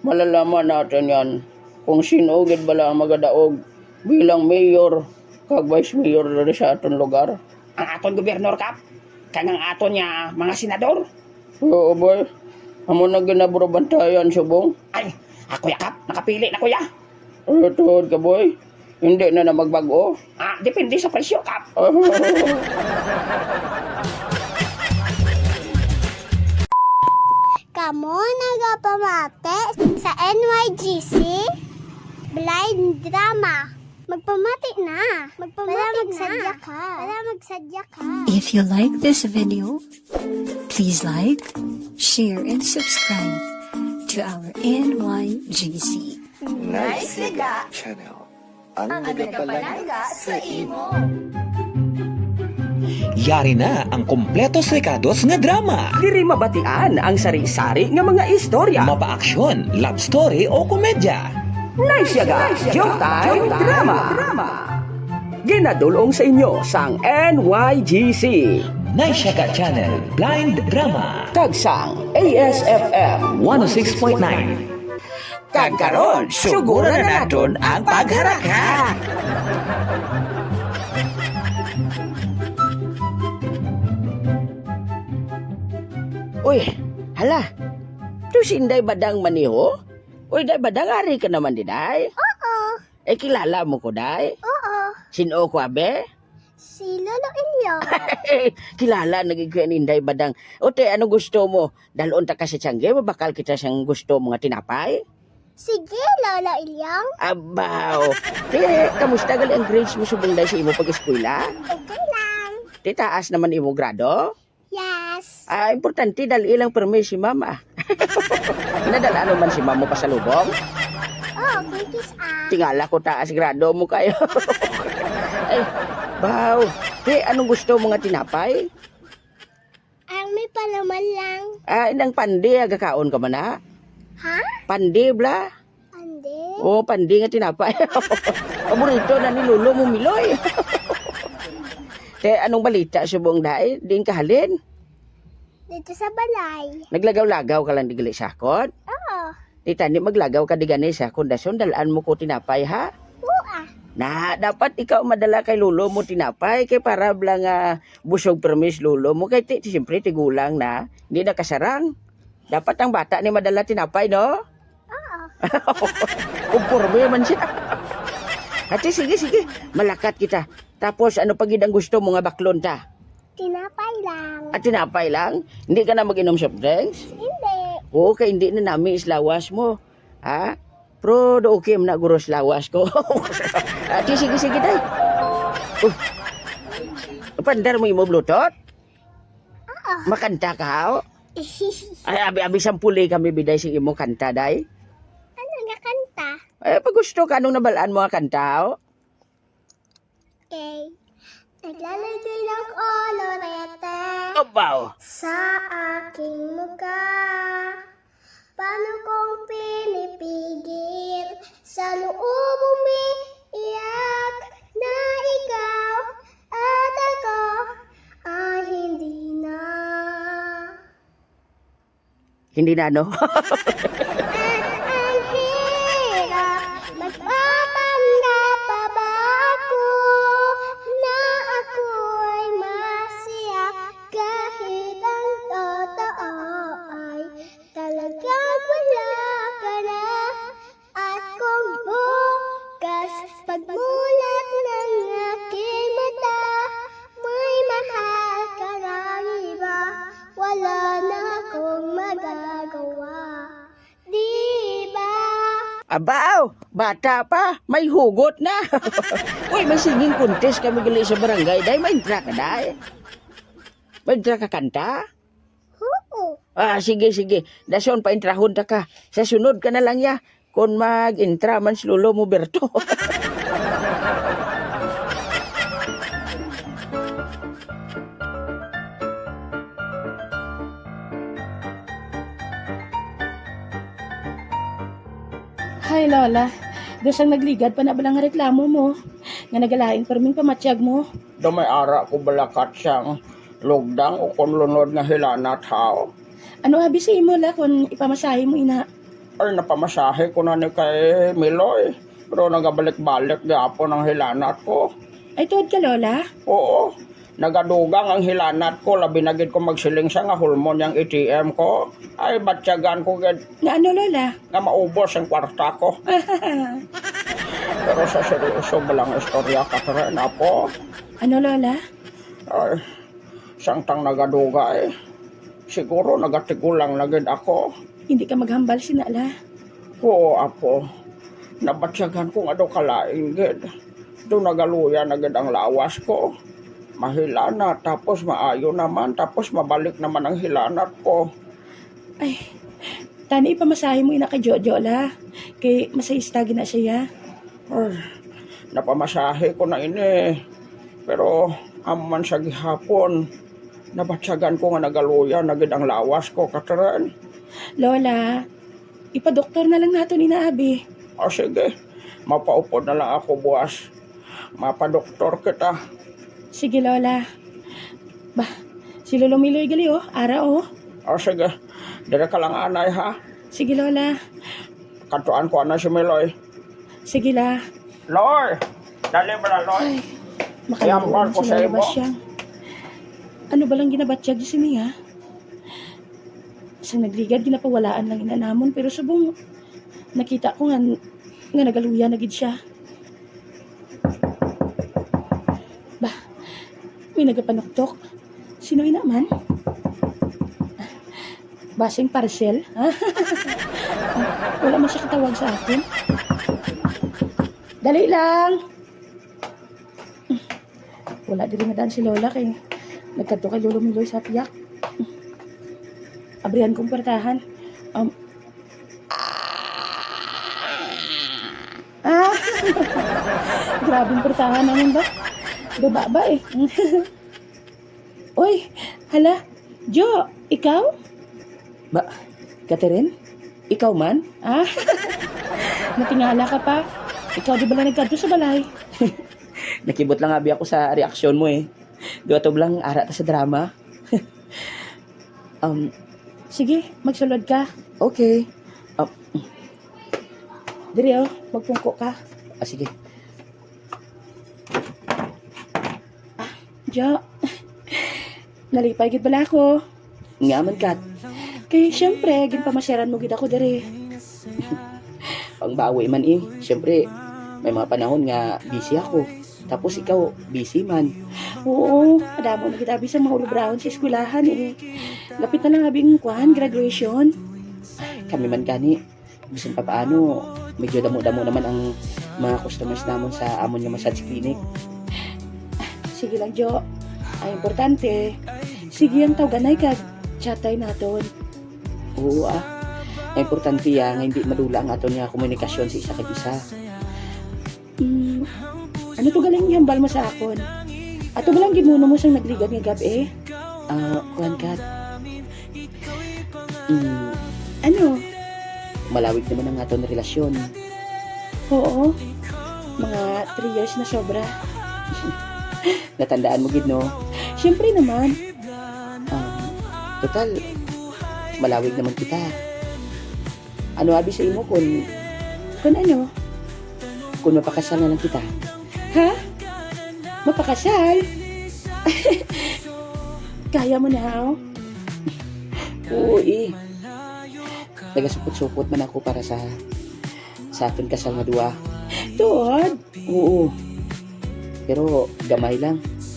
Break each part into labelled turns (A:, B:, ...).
A: Malalaman natin yan kung sino gid bala ang magadaog bilang mayor kag vice mayor diri sa aton lugar.
B: Ang aton gobernador kap, kag ang aton niya mga senador.
A: Oo boy, amo na ginaburobantayan subong.
B: Ay, ako ya kap, nakapili na kuya.
A: Tuhod ka boy, hindi na na magbago.
B: Depende sa presyo kap.
C: Kamo nagapamate sa NYGC Blind Drama. Magpamati na. Magsadya ka.
D: If you like this video, please like, share, and subscribe to our NYGC
E: channel. Ang nagapalaga sa imo.
F: Yari na ang kompletos rekados nga drama.
B: Diri mabatian ang sari-sari nga mga istorya.
F: Mapa-aksyon, love story o komedya.
B: Naisyaga, Showtime Drama. Ginadulong sa inyo sang NYGC.
F: Naisyaga Channel Blind Drama.
B: Tagsang ASFM
F: 106.9.
B: Kagkaroon,
F: Suguro na naton ang pagharaka.
A: Uy, hala. Tu si Inday Badang maniho? Uy, Day Badang, ari ka naman di, Day?
C: Oo.
A: Kilala mo ko, Day?
C: Oo.
A: Sino ko, abe?
C: Si Lolo Ilyo.
A: Kilala, nagigkuyan ni Inday Badang. Ote, ano gusto mo? Dalon ta ka sa tiyangge, mabakal kita siyang gusto mga tinapay?
C: Sige, Lolo Ilyong.
A: Abaw. Kamusta gali ang grades mo subong Day sa imo pag-eskwela?
C: Okay lang.
A: Taas naman imo grado?
C: Yes.
A: Importante dahil ilang permis si mama. Nadala naman si mama pa sa lubong?
C: Oh, cookies
A: Tingala ko taas grado mo kayo. Ay, baw. Anong gusto mga tinapay?
C: Ang may palaman lang.
A: Inang pandi, agakaon ka man ha?
C: Ha?
A: Pandi, bla?
C: Ande?
A: Pandi nga tinapay. Paborito na ni Lolo mo, Miloy. Anong balita subong Day? Di kahalin?
C: Dito sa balay.
A: Naglagaw-lagaw ka lang di gali sakot?
C: Oo.
A: Di tani maglagaw ka di gani sa kondasyon, dalaan mo ko tinapay ha?
C: Oo.
A: Na, dapat ikaw madala kay Lolo mo tinapay kay para blang busog permis Lolo mo kay siyempre tigulang na, hindi na kasarang. Dapat ang bata ni madala tinapay, no?
C: Oo.
A: Kumpurme man siya. Ate, sige, malakat kita. Tapos ano pag ang gusto mo nga baklon ta?
C: Tinapay lang.
A: Tinapay lang? Hindi ka na mag-inom soft drinks?
C: Hindi.
A: Oo, kay hindi na namin islawas mo. Ha? Pero do okay na guros lawas ko. Ate, sige, day. Pandar mo yung bluetooth?
C: Oo.
A: Makanta ka, ho? Ay, abi sampuli kami biday sa imo kanta, day.
C: Ano nga kanta?
A: Pag gusto ka, anong nabalaan mo ang kanta, ho?
C: Okay. Naglalagay ng kolorete
A: Abaw!
C: sa aking mukha. Paano kong pinipigil sa loob umiiyak na ikaw at ako ay hindi na.
A: Hindi na, no?
C: Ang hirap magpapanggap pa ba ako na ako'y masaya kahit ang totoo ay talagang wala ka na. At kung bukas pagmulat ng aking mata may mahal ka ng iba, wala na akong magagawa. Diba?
A: Abaw! Bata pa! May hugot na! Uy, may singing contest kami gali sa barangay. Day, may intra ka, day? May intra ka kanta?
C: Oo.
A: Sige. Dason pa intrahon ta ka. Sa sunod ka na lang ya. Kung mag-intra man si Lolo mo, Berto.
G: Hay Lola, dosang nagligad pa na balang reklamo mo. Nga nagalaing perming pamatyag mo.
A: Damay ara ko balakat siyang lugdang o kung lunod nga hilana tao.
G: Ano abi sa imo la kung ipamasahe mo ina?
B: Ay, napamasahe ko na ni kay Miloy. Pero nagabalik-balik gapon ang hilanat ko.
G: Ay, tuod ka, Lola?
B: Oo, nagadugang ang hilanat ko. Labi na gid ko magsiling sa nga hulmon yung ATM ko. Ay, batsyagan ko gid
G: Nga ano, Lola?
B: nga maubos ang kwarta ko. Pero sa seryoso balang istorya ka rin, apo.
G: Ano, Lola?
B: Ay, sangtang nagaduga eh. Siguro nagatigulang na gid ako.
G: Hindi ka maghambal, sinala.
B: Oo, apo. Nabatsyagan ko nga daw kalaing gid. Doon nagaluya na gid ang lawas ko. Mahilana, tapos maayo naman, tapos mabalik naman ang hilanat ko.
G: Ay, tani ipamasahe mo ina kay Jojo, la. Kay masayista na siya.
B: Ay, napamasahe ko na ini. Pero aman sa gihapon, nabatsyagan ko nga nagaluya na gid ang lawas ko, Katrin.
G: Lola, ipadoktor na lang nato ni Abi.
B: O sige, mapaupod na lang ako buwas. Mapadoktor kita.
G: Sige, Lola. Bah, si Lolo Miloy gali, oh. Ara, oh.
B: O sige, dire ka lang anay ha.
G: Sige, Lola.
B: Katuan ko na si Miloy.
G: Sige, la.
B: Loy! Dali ba na, Loy?
G: Ay, makalaon
B: ko
G: si
B: sa
G: Lola
B: imo.
G: Basyang. Ano ba lang ginabatsyag si niya? Sa nagligad, ginapawalaan lang inanamon. Pero subong, nakita ko nga nagaluya na gid siya. Bah, may nagapanoktok. Sino naman? Basing parcel? Ha? Wala man siya katawag sa akin. Dali lang! Wala din na daan si Lola kay nagkanto kay Lolo Miloy sa tiyak. Abrihan kong pertahan. Grabing pertahan naman ba? Baba ba eh. Uy, hala. Jo, ikaw? Ba, Catherine? Ikaw man? Natingala ka pa. Ikaw di ba lang nagkanto sa balay?
A: Nakibot lang abi ako sa reaksyon mo eh. Duwa to lang ara ta sa drama.
G: Sige, magsulod ka.
A: Okay.
G: Diri oh, magpungko ka.
A: Sige.
G: Jo, nalipay gid bala ako.
A: Nga man kat.
G: Kay syempre, ginpamasyaran mo gid ako diri.
A: Pangbawi man eh. Siyempre, may mga panahon nga busy ako. Tapos ikaw, busy man.
G: Oo, adamo na gid abi sa mga ulubraon sa eskwelahan eh. Lapit na lang abing graduation.
A: Kami man gani. Bisan pa paano, medyo damo-damo naman ang mga customers namon sa amon nga massage clinic.
G: Sige lang, Jo. Ang importante, sige ang tawganay kag chatay naton.
A: Oo Ang importante nga hindi madula ang aton nga komunikasyon sa isa kag isa.
G: Ano to galing ihambal mo sa akon? Ato ba lang gimuno mo sang nagligad nga gabi?
A: Kuhan kat.
G: Ano?
A: Malawig naman ang aton relasyon.
G: Oo. Mga 3 years na sobra.
A: Natandaan mo gid no?
G: Siyempre naman.
A: Total, malawig naman kita. Ano abi sa imo kung
G: Ano?
A: mapakasal na lang kita?
G: Ha? Mapakasal? Kaya mo na, oh?
A: Oo Nagasupot-supot man ako para sa aton kasal nga duwa.
G: Tuod?
A: Oo. Pero gamay lang.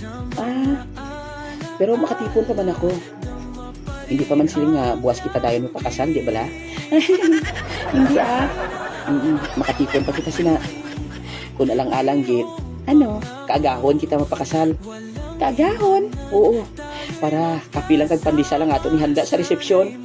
A: Pero makatipon pa man ako. Hindi pa man siling nga buwas kita dayon mapakasal, di bala?
G: Hindi
A: Makatipon pa kita sina. Kung alang-alang gid,
G: Ano?
A: kaagahon kita mapakasal.
G: Kaagahon?
A: Oo. Para kapilang kag pandisa lang ato ni handa sa resepsyon.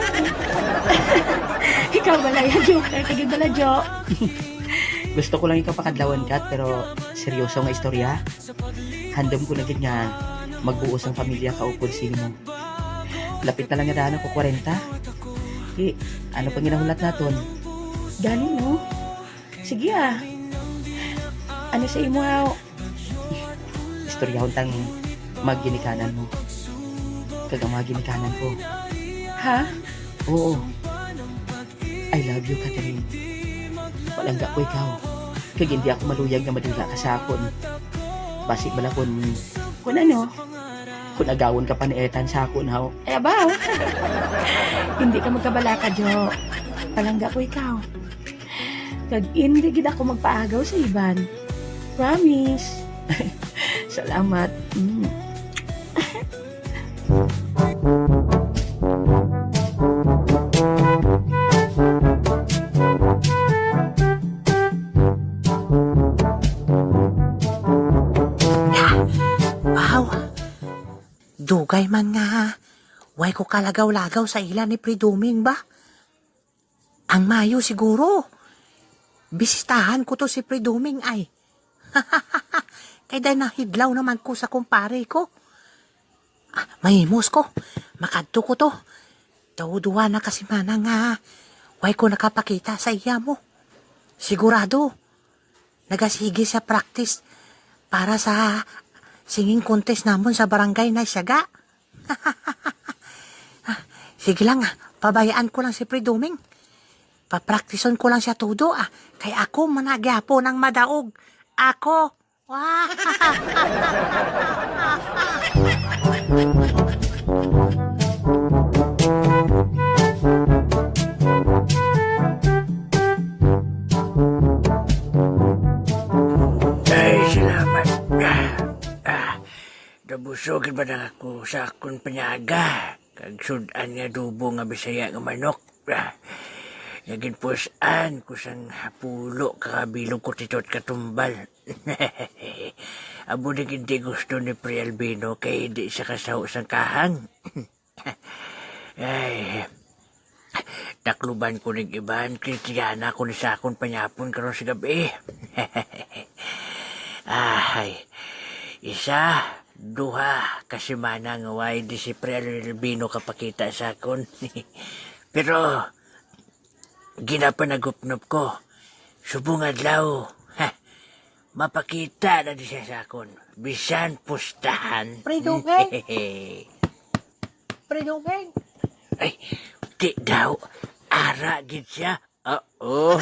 G: Ikaw bala yan, Jo. Kagid bala, Jo.
A: Gusto ko lang ikaw pakadlawan kat pero seryoso nga istorya. Handom ko na gid nga magbuos ang pamilya kaupod sino. Lapit na lang nga daan ako 40. Ano pang ginahulat naton?
G: Dali, no? Sige, Ano sa imo,
A: Istoryahon tang magginikanan mo. Kag ang magginikanan ko.
G: Ha?
A: Oo. I love you, Catherine. Palangga ko ikaw. Kag hindi ako maluyag na madula ka sa akon. Basi bala kun ano, kung agawon ka pa ni Ethan sa akon, haw.
G: Eh, abaw. Hindi ka magkabala ka, Jo. Palangga ko ikaw. Kag hindi gid ako magpaagaw sa iban. Promise.
A: Salamat.
H: Aw, dugay man nga. Way ko kalagaw-lagaw sa ilan ni Priduming ba? Ang mayo siguro. Bisitahan ko to si Priduming ay. Kaya dahil nahidlaw naman ko sa kumpare ko. Mahimos ko. Makadto ko to. Tawduwa na kasi mana nga. Way ko nakapakita sa iya mo. Sigurado. Nagasigi sa practice para sa singing contest namon sa barangay na Siaga. Sige lang, pabayaan ko lang si Priduming. Papraktison ko lang siya todo kaya ako managyapo ng madaog. Ako. Wah!
I: Ay, salamat. Nabusogin ba na ako sa akong panyaga? Kag sudan nga dubo nga bisaya nga manok. Naging pusan ko sang pulo kakabilog ko titot katumbal. Abo na hindi gusto ni Pre Albino kaya hindi siya kasaw sang kahang. Ay, takluban ko ng iban, kristiyana ko ni sa akong panyapon karon sa gabi. Ay, isa, duha, kasi mana nga way di si Pre Albino kapakita sa akon. Pero, ginapanagupnop ko, subong adlaw, mapakita na di siya sa akon. Bisan pustahan.
H: Priduming? Priduming?
I: Ay, di daw, ara gid siya. Oo.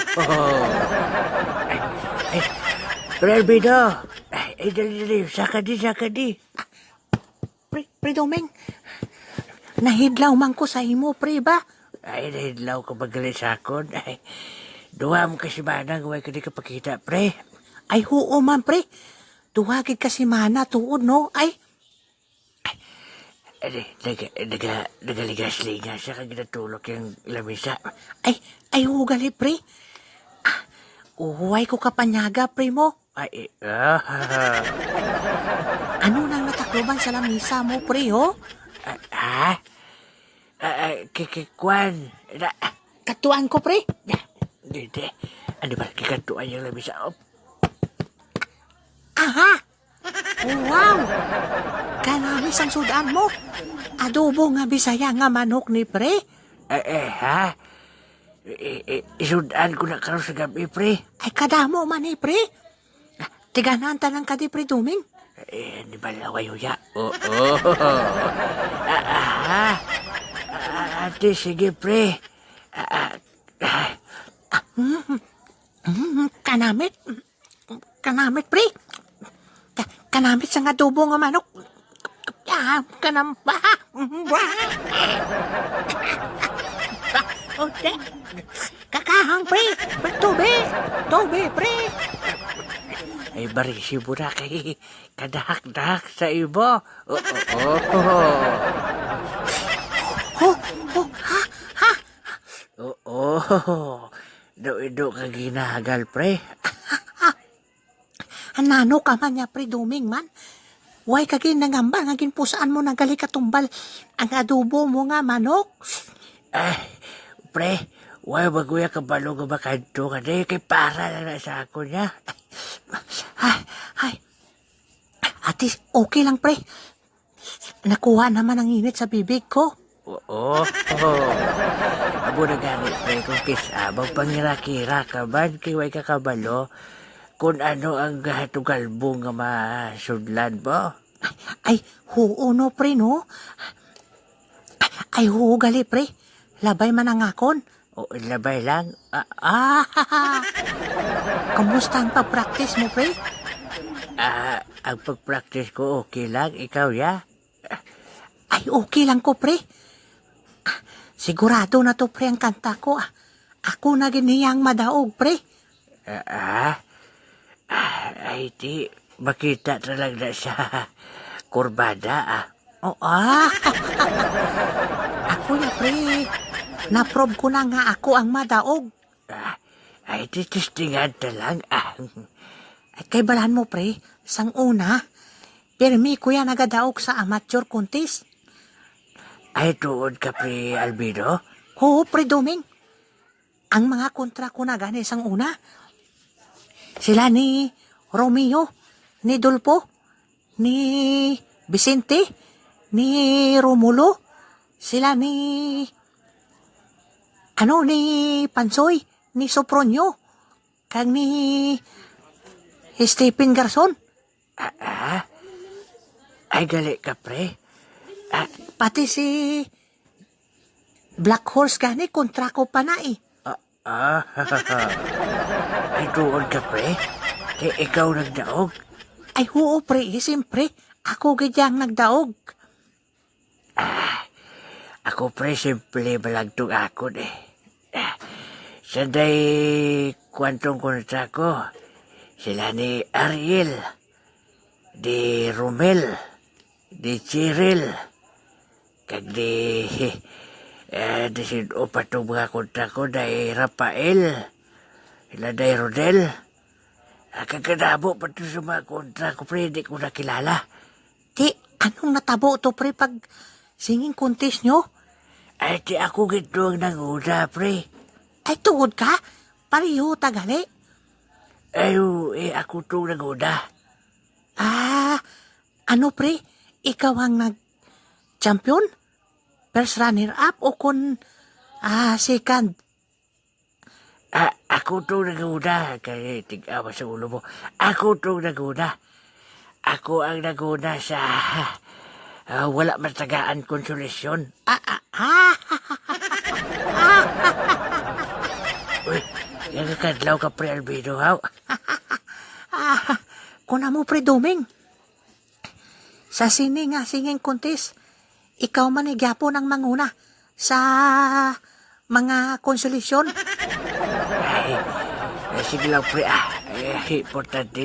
I: Ay, Pre Albino, ay, dali, saka di.
H: Priduming? Nahidlaw man ko sa imo, pre ba?
I: Ay, nahidlaw ka magaling sa akon. Ay, duha mo kasi manang, huwag ka di kapakita, pre.
H: Ay, huo man, pre. Tuwagid kasi mana tuod, no? Ay,
I: nagaligas-ligas siya kag ginatulog yung lamisa.
H: ay, hugali, pre. Uhuway ko kapanyaga, pre mo. Ano nang natakloban sa lamisa mo, pre, ho?
I: Kikikwan.
H: Katuan ko, pre.
I: Hindi. Ano ba, kikatuan yung lamisa?
H: Aha! Wow! Kanamis ang sudan mo. Adobo nga bisaya nga manok ni pre.
I: Ha? Isudan ko na karon sa gabi, pre.
H: Ay kadamo man ni pre. Tiganan tanang ka di Priduming.
I: Di ba laway huya? Oo. Ate, sige, pre.
H: Kanamit. Kanamit, pre. Kanamit sa nga adobo nga manok. Kanamba. Ote. Kakahang, pre. Tobe, pre.
I: Ay, barisi mo na kay kadahak-dahak sa ibo. Oo. Do ka ginahagal, pre.
H: Anano ka man niya, Priduming man. Way kagin nangamba, ngagin pusaan mo nagali katumbal ang adobo mo nga manok.
I: Ay, pre, way baguya ka balo nga bakadto ka na kay para lang na sa ako niya.
H: Ay. Ate, okay lang, pre. Nakuha naman ang init sa bibig ko.
I: Oo. Abo na ganit, pre, kung kisabang pangirakira ka man, kay way ka kabalo, kung ano ang gahatugalbo nga masudlan mo.
H: Ay, huo no, pre, no? Ay, huo gali, pre. Labay man ang akon.
I: O labay lang?
H: Kamusta ang pag-practice mo, pre?
I: Ang pag-practice ko okay lang. Ikaw, ya?
H: Ay, okay lang ko, pre. Sigurado na to, pre, ang kanta ko. Ako na giniyang madaog, pre.
I: Ay, di. Makita talaga sa kurbada,
H: Ako ya, pre. Naprob ko na nga ako ang madaog.
I: Ay, di testingan na lang,
H: Ay, kay balan mo, pre. Sang una, pirmi ko yan nagadaog sa amateur contest.
I: Ay, tuod ka, pre Albino?
H: Oo, pre Doming. Ang mga kontra ko na gani sang una. Sila ni Romeo, ni Dolpo, ni Vicente, ni Romulo, sila ni ni Pansoy, ni Sopronio, kag ni Stephen Garson.
I: Ay, gali ka, pre.
H: Pati si Black Horse gani, kontra ko pa na eh.
I: Ay, tuod ka, pre. Kaya ikaw nagdaog.
H: Ay, oo, pre, siyempre, ako gadyang nagdaog.
I: Ako, pre, simple balagtong akon, Sanday kwantong kontra ko. Sila ni Ariel, di Romel, di Cheryl, kag di sinuo pa itong mga kontra ko, di Rafael, sila di Rodel. Kagkadabo pa ito sa mga kontra ko, pre, di ko nakilala.
H: Di, anong natabo to, pre, pag singing contest nyo?
I: Ay, di ako gito ang nanguna, pre.
H: Ay, tuod ka? Pariho, tagali.
I: Ay, ako itong nanguna.
H: Ano, pre? Ikaw ang nag-champion? First runner-up o kun second?
I: Ako itong nanguna. Kaya tig-awa sa ulo mo. Ako itong nanguna. Ako ang nanguna sa wala matagaan konsolasyon. Uy, nagkakadlaw ka, pre Albino, haw?
H: Kuna mo, pre Doming. Sa singing contest, ikaw man nagyapo ng manguna sa mga konsolasyon.
I: Ay, sige lang, pre, importante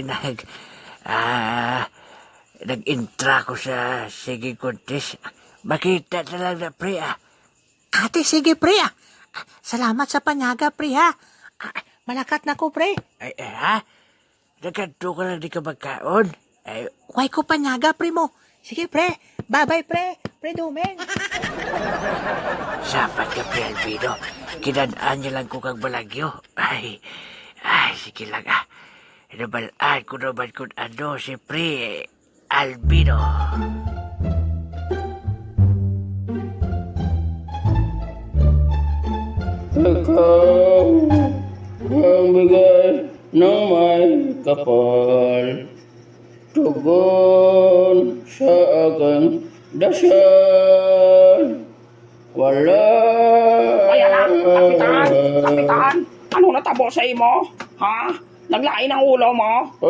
I: nag-intra ko sa singing contest. Makita na lang na, pre,
H: Ate, sige, pre, Salamat sa panyaga, pre, Malakat na ko, pre.
I: Ay, Nagkanto ka lang di ka magkaon. Ay,
H: Huwag ko panyaga, pre mo. Sige, pre. Bye-bye, pre. Pre Doming.
I: sapat ka, pre Albino. Kinadaan niya lang ko kang balagyo. Ay, sige lang, Nabalaan ko naman kung ano si pre Albino.
B: Ikaw ang bigay ng may kapal, tugon sa aking dasal. Wala.
J: Kapitan, ano natabo sa imo? Ha? Naglain ang ulo mo?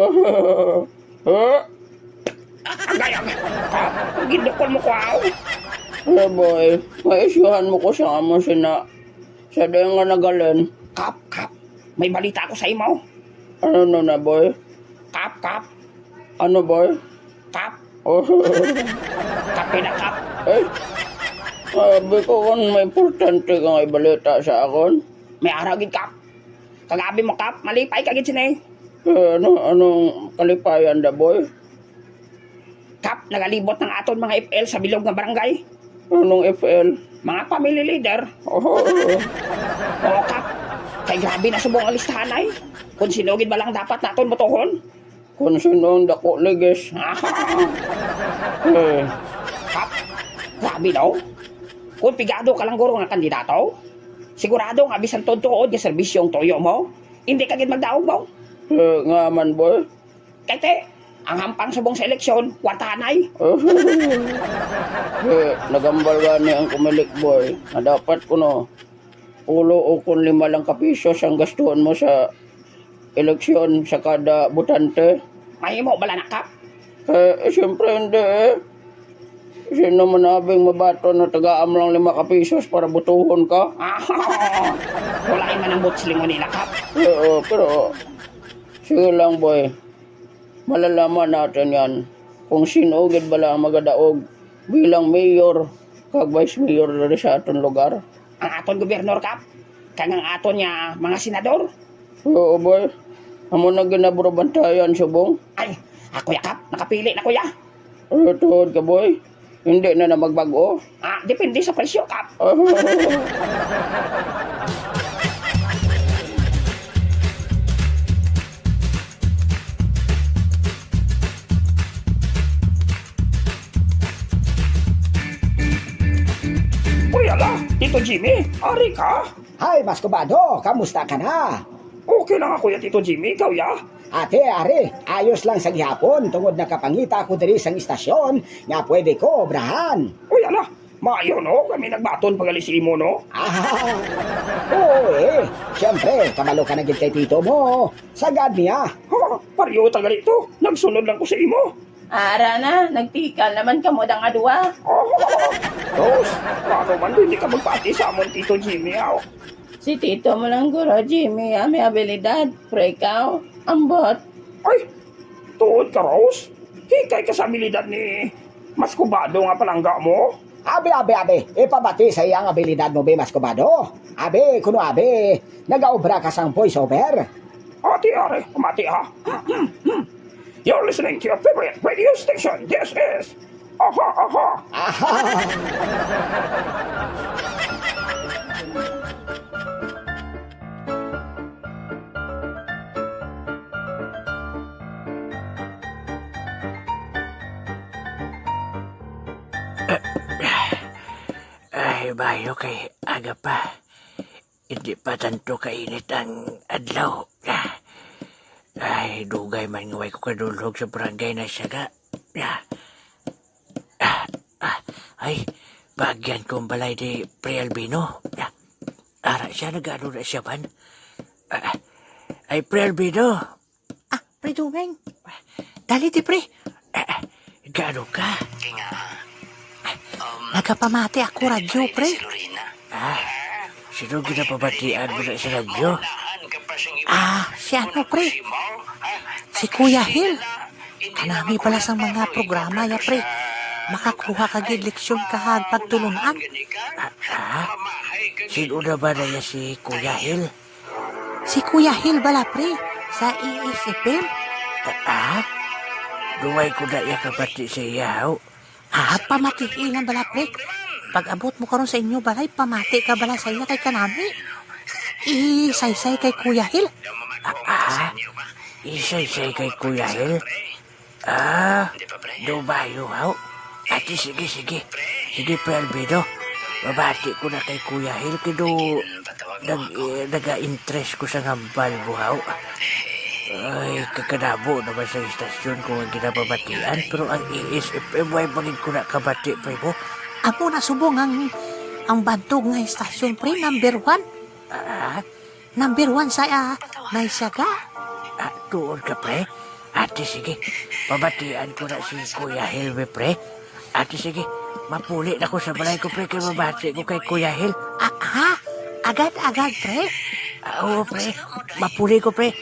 J: Agayag, gindukol mo ko aw.
B: Boy, maisyuhan mo ko sa amo sina. Sa dayo nga nagalan.
J: Kap, may balita ko sa imo.
B: Ano na, boy?
J: Kap.
B: Ano, boy?
J: Kap. Kape na kap.
B: Sabi ko kung may importante kang ibalita sa akon.
J: May aragid kap. Kagabi mo kap, malipay kagid sinay.
B: Anong kalipayan da, boy?
J: Kap, nagalibot ng aton mga FL sa bilog nga barangay.
B: Anong FL?
J: Mga family leader. Oo, kap. Kay grabe na subong ang listahan ay. Kung sinugid ba lang dapat naton botohon?
B: Kung sino ang dako ligis.
J: Kap, grabe daw. Kung pigado ka lang guro nga kandidato, sigurado nga bisan tuod nga serbisyong toyo mo, hindi ka gid magdaog mo.
B: Nga man, boy.
J: Kete, ang hampang subong sa eleksyon, wartanay.
B: Nagambal gani ang kumilik, boy. Na dapat ko no. ulo o kung 5 lang kapisos ang gastuhan mo sa eleksyon sa kada butante.
J: Mahimo bala na, Kap.
B: Siyempre hindi eh. Sino man nabing mabato na tagaam lang 5 kapisos para butuhon ka?
J: Wala man ang butslingon nila, Kap.
B: Pero sige lang boy. Malalaman natin yan kung sino gid bala ang magadaog bilang mayor kag vice mayor diri sa aton lugar.
J: Ang aton gobernador, Kap. Kang ang aton niya mga senador.
B: Oo boy. Amo na ginabrabantayan subong.
J: Ay, ako ya, Kap. Nakapili na, kuya.
B: Tuhod ka boy. Hindi na magbago.
J: Depende sa presyo, Kap. Uy, ala, Tito Jimmy, ari ka?
K: Hay, Maskobado, kamusta ka na?
J: Okay lang ako ya, Tito Jimmy, ikaw ya?
K: Ate, are, ayos lang sa gihapon tungod nakapangita ko diri sa istasyon nga pwede ko obrahan.
J: Uy, ala, maayo no, kami nagbaton pagalisi mo no?
K: Oo siyempre, kamalo ka na gid kay tito mo. Sagad niya.
J: Pariyo tagali to, nagsunod lang ko sa imo.
G: Ara na, nagtikal naman ka mo dang adwa.
J: Tos, paano man hindi ka magpati sa amon, Tito Jimmy, aw?
G: Si tito mo lang guro, Jimmy, may abilidad. Pero ikaw, ambot.
J: Ay, tuod ka, Rose. Hikay ka sa abilidad ni Maskobado nga palangga mo.
K: Abe, ipabati sa iyang abilidad mo, be, Maskobado. Abe, kuno abe, nagaobra ka sang voiceover.
J: Ati, are, pamati ha. You're listening to your favorite radio station. This is Aha.
I: Ay, bayo kay aga pa. Hindi pa tanto kainit ang adlaw. Ay, dugay man ngaway ko kadulog sa barangay na siyaga. Ay, bagyan kong balay di Pre Albino. Ara siya, nag-ano na siya man. Ay, Pre Albino.
H: Pre Dumeng. Dali di, Pre.
I: Gano ka?
H: Nagapamati ako radyo, Pre.
I: Sino ginapabatian mo na sa radyo?
H: Si ano, Pre? Si Kuya Hill. Kanami pala sa mga programa ya, Pre. Makakuha ka gid leksyon kahag pagtulunan.
I: Sino na ba na si Kuya Hill?
H: Si Kuya Hill bala, Pre, sa ESFM.
I: Duway ko na iya kabati sa iyaw.
H: Pamati lang bala, Pre. Pag abot mo karon sa inyo balay, pamati ka bala sa iya kay kanami. Isaysay kay Kuya Hill.
I: Isaysay kay Kuya Hill? Dubayo, haw. Ate, sige. Sige, Pre Albedo. Mabati ko na kay Kuya Hill, kido naga-interest ko sa ngambal, buhaw. Ay, kakanabo naman sa istasyon ko ang ginababatian, pero ang ESFM, why bangin ko na kabati, Pre mo?
H: Amo na subong ang bantog nga istasyon, Pre, number 1. Number 1 sa Naisaga.
I: Tuon ka, Pre? Ate, sige. Pabatian ko na si Kuya Hill, Pre. Ate, sige. Mapuli na ko sa balay ko, Pre, kaya mabati ko kay Kuya Hill.
H: Agad, Pre.
I: Oo, Pre. Mapuli ko, Pre.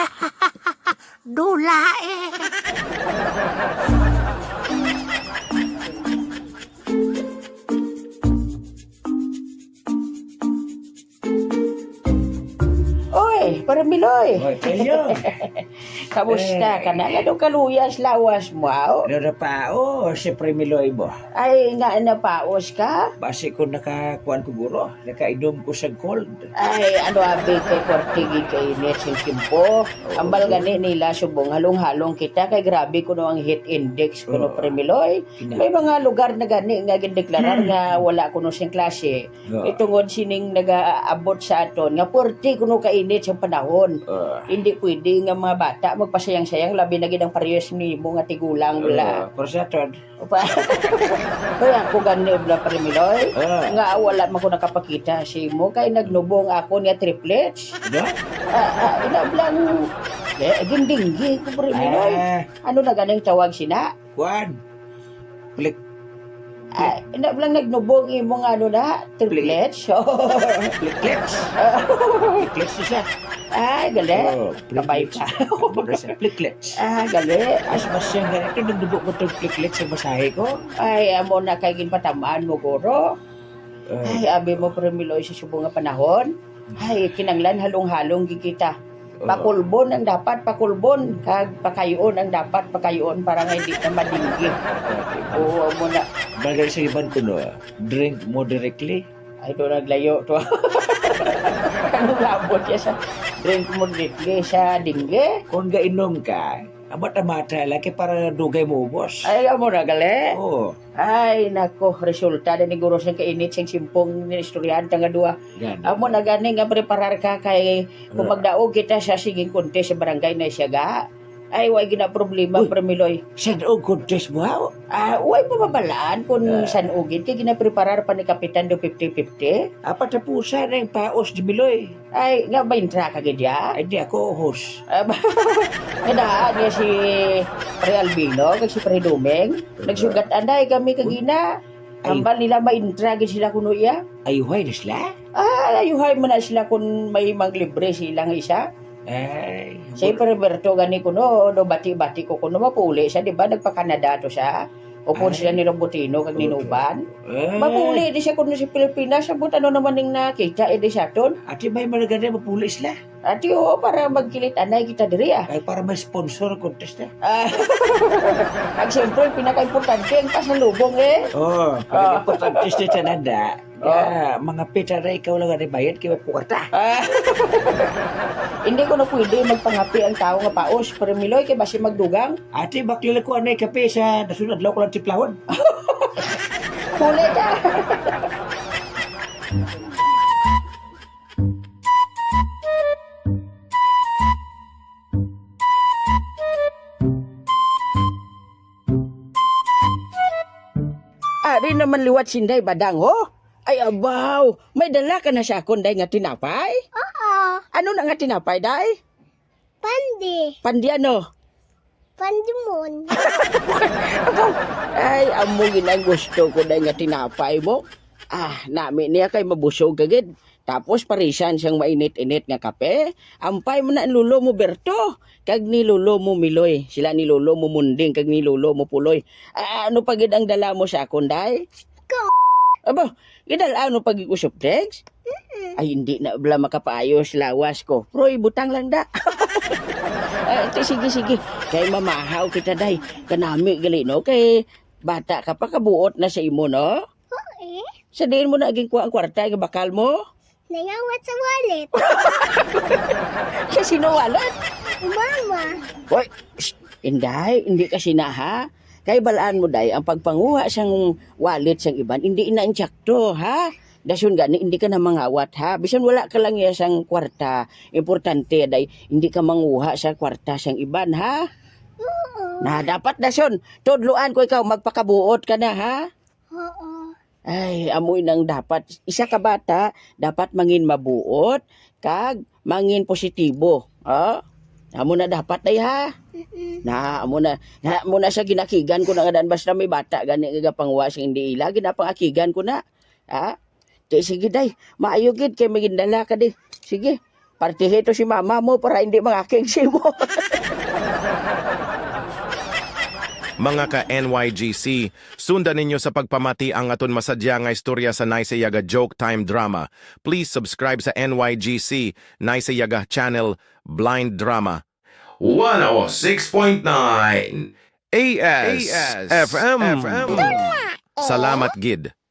H: Dula
G: Para Miloy. Kamusta ka na? Ano kaluyas lawas mo?
L: Narapao, si Premiloy mo.
G: Ay, nga napaos ka?
L: Basi ko nakakuan ko guro, nakainom ko sa gold.
G: Ay, ano abi kay Kortigi kay Netsin Kimpo. Ang balgani nila subong halong-halong kita kay grabe ko no ang hit index ko no Premiloy. May mga lugar na gani nga gindeklarar nga wala ko no siyang klase. Itungod sining nagaabot sa aton nga 40 kuno kainit sa panahon. Hindi pwede nga mga bata magpasayang-sayang labi na gid ang parehas nimo nga tigulang bala.
L: Pero sa ton.
G: Kaya ako gani bla Premiloy. Nga wala man ko nakapakita si mo kay nagnubong ako niya triplets. Ina blang gindinggi ko Premiloy. Ano na ganing tawag sina?
L: Kuan. Plik.
G: Ina blang nagnubong imong ano na triplets.
L: Pliklets. Pliklets siya.
G: Gali. Kabay ka.
L: Pliklets.
G: Gali.
L: Mas siyang ganito, nagdubok ko itong pliklets sa masahe ko.
G: Ay, amo na kay ginpatamaan mo, Goro. Ay, abi mo, Premiloy, sa subong nga panahon. Ay, kinanglan halong-halong gikita. Pakulbon ang dapat, pakulbon. Kag pakayoon ang dapat, pakayoon para nga hindi na madinggi. Oo, amo na.
L: Bagay sa iban ko no, drink moderately.
G: Ay, doon naglayo to. Anong labot niya sa drink mo dito sa dingge?
L: Kung gainom ka, mata-mata laki para dugay mo ubos.
G: Ay, amo na gali.
L: Oo.
G: Ay, nako, resulta na ni Guro siyang kainit siyang simpong ni istoryahan nga dua. Amo na gani nga preparar ka kay kung magdaog kita sa siging contest sa barangay na Siaga. Ay, way gina problema, Premiloy.
L: Sa daog contest mo ha?
G: Way mababalaan kung saan ugin. Kaya ginapreparar pa ni Kapitan do 50-50.
L: Patapusan ng paos di Miloy.
G: Ay, nga ba intra ka gadya?
L: Ay, di ako host.
G: Nadaan niya si Pre Albino, kag si Pre Dumeng. Nagsugat anday kami kagina. Ambal nila maintra gid sila kuno iya.
L: Ayuhay na sila?
G: Ayuhay mo na sila kung may maglibre silang isa.
L: Ay.
G: Si Roberto gani kuno, do bati-bati ko kuno mapuli siya, di ba? Nagpa-Canada to siya. Upon sila ni Robotino kag ni Nuban. Mapuli di siya kuno si Pilipinas, sabot ano naman ning nakita edi siya ton.
L: Ati may malaganda mapuli sila.
G: Ati para magkilit anay kita diri
L: Ay para may sponsor contest na.
G: Ang siyempre pinaka-importante ang pasalubong
L: Para importante sa Canada. Mga pita na ikaw lang ang bayad kaya puwarta.
G: Hindi ko na pwede magpangapi ang tao nga paos. Pero Miloy, kaya basi magdugang.
L: Ate, baklila ko anay kape sa nasunod law ko lang tiplahon.
G: Huli ka. Ari naman liwat sinday badang ho. Ay abaw, may dala ka na siya kunday nga tinapay?
C: Oo.
G: Ano na nga tinapay, day?
C: Pandi.
G: Pandi ano?
C: Pandimon.
G: Ay, amo ginang gusto ko day nga tinapay mo. Namin niya kay mabusog agad. Tapos parisan siyang mainit-init nga kape. Ampay mo na ang lulo mo Berto. Kag ni lulo mo Miloy. Sila ni lulo mo Munding kag ni lulo mo Puloy. Ano pagid ang dala mo sa akon, day? Aba, gidala ano pag ikusop drinks? Ay, hindi na bala makapaayos lawas ko. Pero ibutang lang da. Sige. Kay mamahaw kita, day. Kanami gali, no? Kay bata ka pa kabuot na sa imo, no?
C: Oo.
G: Sa diin mo na aging kuha ang kwarta, yung bakal mo?
C: Nangawat sa wallet.
G: Sa sino wallet?
C: Mama.
G: Hoy, Inday, hindi kasi na ha? Kay balaan mo day, ang pagpanguha siyang wallet siyang iban, hindi ina-insyakto, ha? Dasun gani, hindi ka na mangawat, ha? Bisan wala ka lang siyang kwarta. Importante, day, hindi ka manguha sa kwarta siyang iban, ha? Na, dapat dasun. Tudluan ko ikaw, magpakabuot ka na, ha?
C: Oo.
G: Ay, amoy nang dapat. Isa ka bata, dapat mangin mabuot, kag mangin positibo, ha? Amo na dapat, day, ha? Amo na sa ginakigan ko na nga dan basta may bata gani nga pangwas hindi ila ginapangakigan ko na. Ha? Sige day, maayo gid kay magindala ka di. Sige. Partihe to si mama mo para hindi mangaking si mo.
M: Mga ka-NYGC, sundan ninyo sa pagpamati ang aton masadya nga istorya sa Nice Yaga Joke Time Drama. Please subscribe sa NYGC, Nice Yaga Channel, Blind Drama. 106.9 AS FM. Salamat gid.